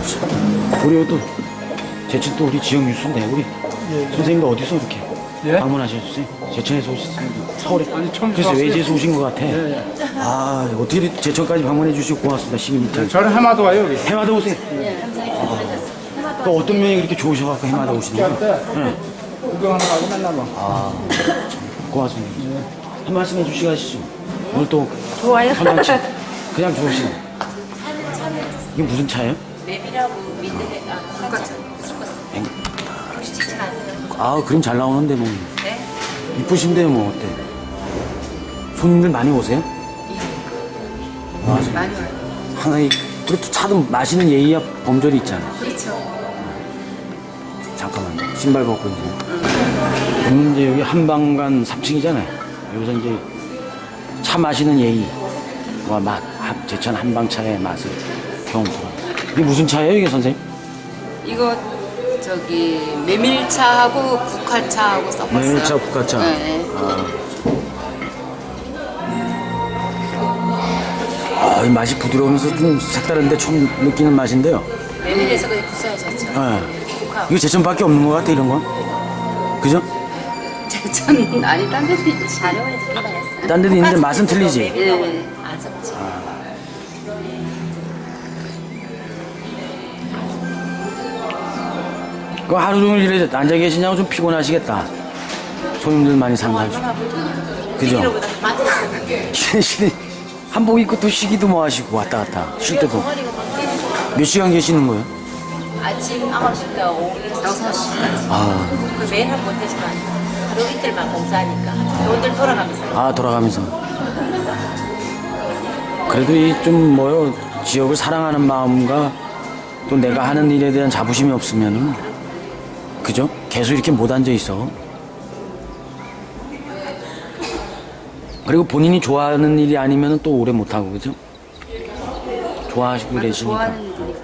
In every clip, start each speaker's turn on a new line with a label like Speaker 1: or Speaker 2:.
Speaker 1: 우리 또 제천 또 우리 지역 뉴스인데 우리 선생님도 어디서 이렇게 방문하셨어요? 제천에서 오셨습니다. 서울에. 그래서 외지에서 오신 것 같아. 아 어떻게 제천까지 방문해 주시고 고맙습니다. 시민 입장.
Speaker 2: 저는 해마도 와요 여기.
Speaker 1: 해마다 오세요. 또 어떤 면이 그렇게 좋으셔갖고 해마다 오시나요? 네.
Speaker 2: 구경하러 가고 맨날 와.
Speaker 1: 아, 참, 고맙습니다. 한 말씀 해주시고 가시죠. 오늘 또
Speaker 3: 좋아요.
Speaker 1: 현장치 그냥 좋으시네. 이게 무슨 차예요?
Speaker 4: 맵이라고 민들레 국가차 혹시 지치 아세요?
Speaker 1: 아, 그림 잘 나오는데 뭐.
Speaker 4: 네?
Speaker 1: 이쁘신데요, 뭐 어때? 손님들 많이 오세요?
Speaker 4: 많이 와요.
Speaker 1: 하나 그래도 차도 마시는 예의야 범절이 있잖아.
Speaker 4: 그렇죠.
Speaker 1: 잠깐만요. 신발 벗고 이제. 오늘 이제 여기 한방간 3층이잖아요. 여기서 이제 차 마시는 예의와 맛, 제천 한방차의 맛을 경험하고. 이게 무슨 차예요, 이게 선생님?
Speaker 4: 이거 저기 메밀차하고 국화차하고 섞었어요.
Speaker 1: 메밀차, 국화차.
Speaker 4: 네.
Speaker 1: 아, 이 맛이 부드러우면서 좀 색다른데 처음 느끼는 맛인데요.
Speaker 4: 메밀에서 그냥 구수해졌죠.
Speaker 1: 네.
Speaker 4: 국화.
Speaker 1: 이거 제천밖에 없는 것 같아, 이런 건. 그죠?
Speaker 4: 제천 아니 딴 데도 있지. 자료에서 들어봤어요.
Speaker 1: 딴 데도 있는데 맛은 틀리지?
Speaker 4: 네. 아섭지.
Speaker 1: 그 하루 종일 이래 앉아 계시냐고 좀 피곤하시겠다. 손님들 많이 상가지고. 그죠? 쉬는 한복 입고 또 쉬기도 뭐 하시고 왔다 갔다 쉴 때도 몇 시간 계시는 거예요?
Speaker 4: 아침 9시부터 오후 6시까지.
Speaker 1: 아,
Speaker 4: 그 매일 하면 못하지만 하루 이틀만 공사하니까 돈들 돌아가면서.
Speaker 1: 아 돌아가면서 그래도 이 좀 뭐요 지역을 사랑하는 마음과 또 내가 하는 일에 대한 자부심이 없으면은 그죠? 계속 이렇게 못 앉아 있어. 그리고 본인이 좋아하는 일이 아니면 또 오래 못 하고 그죠? 좋아하시고 계시니까.
Speaker 4: 좋아하는 일이니까.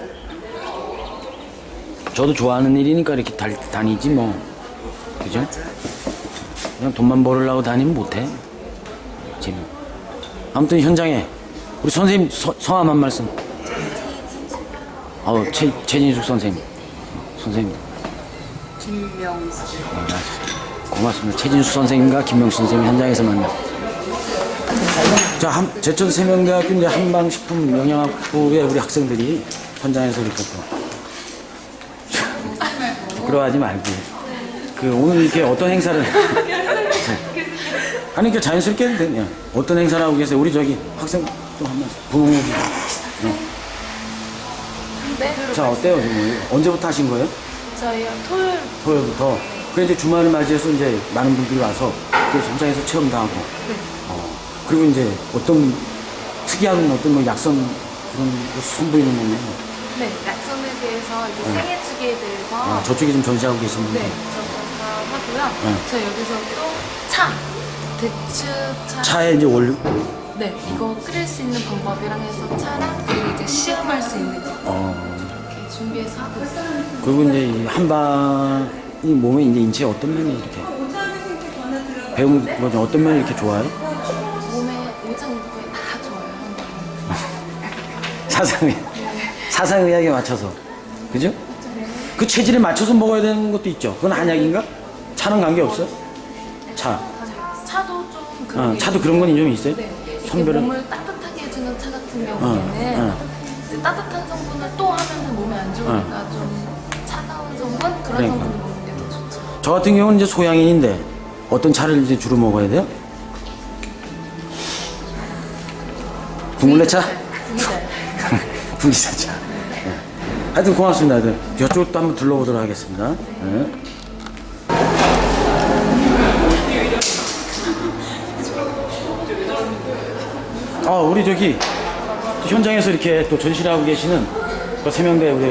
Speaker 1: 저도 좋아하는 일이니까 이렇게 다니지 뭐 그죠? 그냥 돈만 벌으려고 다니면 못해. 재미. 아무튼 현장에 우리 선생님 성함 한 말씀. 최진숙 선생님. 선생님.
Speaker 4: 김명수.
Speaker 1: 고맙습니다. 최진숙 선생님과 김명수 선생님 현장에서 만나. 자, 제천 세명대학교 이제 한방식품 영양학부의 우리 학생들이 현장에서 이렇게 또 부끄러워하지 말고 오늘 이렇게 어떤 행사를 아니 이렇게 자연스럽게 해도 되냐? 어떤 행사를 하고 계세요? 우리 저기 학생 또 한 번 부모님.
Speaker 3: 네.
Speaker 1: 자 어때요 지금 언제부터 하신 거예요?
Speaker 3: 저희요 토요일.
Speaker 1: 토요일부터. 그래 이제 주말을 맞이해서 이제 많은 분들이 와서 또 현장에서 체험도 하고. 그리고 이제 어떤 특이한 어떤 뭐 약선 그런 거 선보이는 거면
Speaker 3: 네. 약선에 대해서 이제 생애주기에 대해서.
Speaker 1: 저쪽에 좀 전시하고 계시는데.
Speaker 3: 네. 저거 하고요. 저희 여기서 또 차. 대추차.
Speaker 1: 차에 이제 원료.
Speaker 3: 네. 이거 끓일 수 있는 방법이랑 해서 차랑 그리고 이제 시음할 수 있는 거 이렇게 준비해서 하고 있어요.
Speaker 1: 그리고 이제 이 한방이 몸에 이제 인체에 어떤 면이 이렇게 배운 거죠? 어떤 면이 이렇게 좋아요?
Speaker 3: 몸에 오장육부에 다 좋아요.
Speaker 1: 사상의학에 맞춰서 그죠? 그 체질에 맞춰서 먹어야 되는 것도 있죠. 그건 한약인가? 차는 관계 없어요? 차.
Speaker 3: 차도 좀 그런 게
Speaker 1: 차도 그런 건 좀 있어요?
Speaker 3: 네. 이게
Speaker 1: 선별은?
Speaker 3: 몸을 따뜻하게 해주는 차 같은 경우에는 이제 따뜻한 성분을 또 하면 몸에 안 좋으니까 좀 차가운 성분 그런
Speaker 1: 그러니까.
Speaker 3: 성분을 먹는 게 더 좋죠.
Speaker 1: 저 같은 경우는 이제 소양인인데 어떤 차를 이제 주로 먹어야 돼요? 둥글레차? 분기차차. 네. 하여튼 고맙습니다. 하여튼 이쪽도 한번 둘러보도록 하겠습니다. 네. 우리 저기 현장에서 이렇게 또 전시를 하고 계시는 그 세명대 우리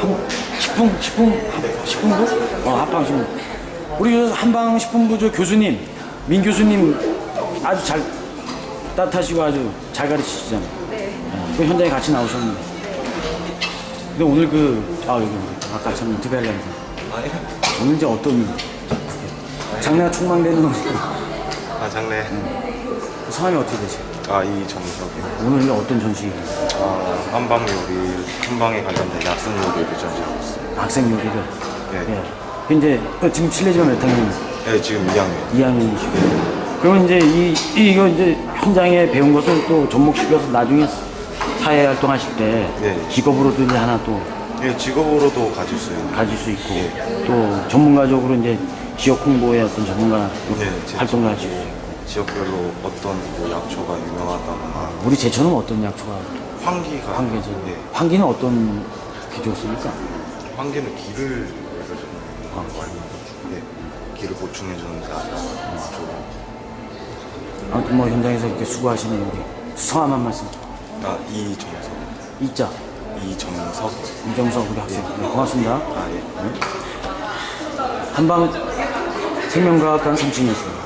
Speaker 1: 식품부? 한방식품. 우리 한방식품부 저 교수님, 민 교수님 아주 잘 따뜻하시고 아주 잘 가르치시잖아요. 네. 그 현장에 같이 나오셨는데. 근데 오늘 여기 아까 참 인터뷰하려고 했는데. 오늘 이제 어떤 장래가 촉망되는
Speaker 5: 장래.
Speaker 1: 성함이 어떻게 되세요?
Speaker 5: 아, 이정석이요.
Speaker 1: 오늘 어떤 전시?
Speaker 5: 한방 요리, 한방에 관련된 약성 요리를 전시하고 있어요.
Speaker 1: 학생 요리를.
Speaker 5: 네.
Speaker 1: 예. 이제 지금 실례지만 몇 학년?
Speaker 5: 네, 지금 2학년.
Speaker 1: 2학년이시고. 그러면 이제 이거 이제 현장에 배운 것을 또 접목시켜서 나중에 사회 활동하실 때
Speaker 5: 네.
Speaker 1: 직업으로도 이제 하나 또
Speaker 5: 네, 직업으로도 가질 수 있는.
Speaker 1: 가질 수 있고 또 전문가적으로 이제 지역 홍보의 어떤 전문가
Speaker 5: 네,
Speaker 1: 활동을 하시고.
Speaker 5: 지역별로 어떤 뭐 약초가 유명하다거나
Speaker 1: 우리 제천은 어떤 약초가
Speaker 5: 환기가.
Speaker 1: 환기죠?
Speaker 5: 네.
Speaker 1: 환기는 어떤 게 좋습니까?
Speaker 5: 환기는 기를 알고 네, 기를 보충해주는 데 좋은.
Speaker 1: 아무튼 뭐 현장에서 이렇게 수고하시는 우리 성함 한 말씀.
Speaker 5: 아, 이정석.
Speaker 1: 이자
Speaker 5: 이정석.
Speaker 1: 이정석 우리 학생. 네, 고맙습니다.
Speaker 5: 아, 예.
Speaker 1: 한방 생명과학관 3층이었습니다.